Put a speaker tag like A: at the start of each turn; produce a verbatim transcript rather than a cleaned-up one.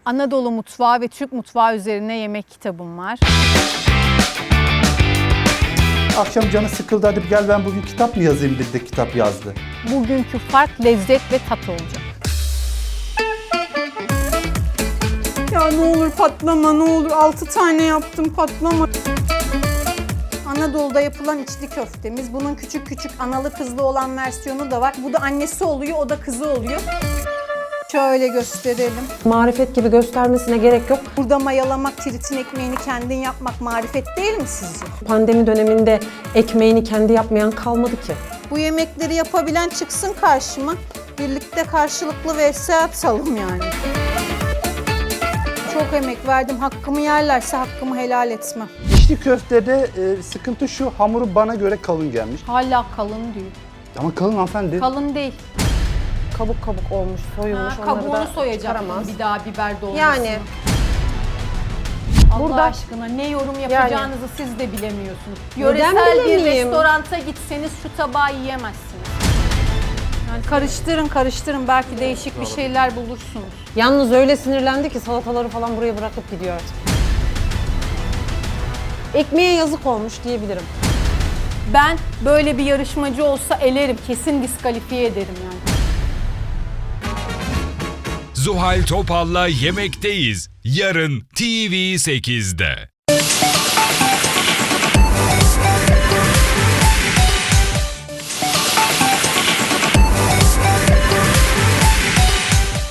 A: Anadolu mutfağı ve Türk mutfağı üzerine yemek kitabım var.
B: Akşam canı sıkıldı, hadi gel ben bugün kitap mı yazayım dedi de kitap yazdı.
A: Bugünkü fark lezzet ve tat olacak.
C: Ya ne olur patlama, ne olur. Altı tane yaptım, patlama. Anadolu'da yapılan içli köftemiz. Bunun küçük küçük analı kızlı olan versiyonu da var. Bu da annesi oluyor, o da kızı oluyor. Şöyle gösterelim.
D: Marifet gibi göstermesine gerek yok.
C: Burada mayalamak, tiritin ekmeğini kendin yapmak marifet değil mi sizce?
D: Pandemi döneminde ekmeğini kendi yapmayan kalmadı ki.
C: Bu yemekleri yapabilen çıksın karşıma. Birlikte karşılıklı vs atalım yani. Çok emek verdim. Hakkımı yerlerse hakkımı helal etmem.
B: İçli köftede e, sıkıntı şu, hamuru bana göre kalın gelmiş.
A: Hala kalın diyor.
B: Ama kalın hanımefendi.
A: Kalın değil.
D: Kabuk kabuk olmuş, soyulmuş.
A: Ha,
D: onları
A: kabuğunu
D: da
A: soyacaktım
D: çıkaramaz.
A: bir daha biber dolmasını.
D: Yani
A: Allah
D: burada-
A: aşkına ne yorum yapacağınızı siz de bilemiyorsunuz.
D: Neden
A: Yöresel bir
D: bilemeyeyim?
A: restoranta gitseniz şu tabağı yiyemezsiniz. Yani karıştırın karıştırın belki değişik bir şeyler bulursunuz.
D: yalnız öyle sinirlendi ki salataları falan buraya bırakıp gidiyor artık. Ekmeğe yazık olmuş diyebilirim.
A: Ben böyle bir yarışmacı olsa elerim, kesin diskalifiye ederim yani.
E: Zuhal Topal'la Yemekteyiz. Yarın T V sekizde.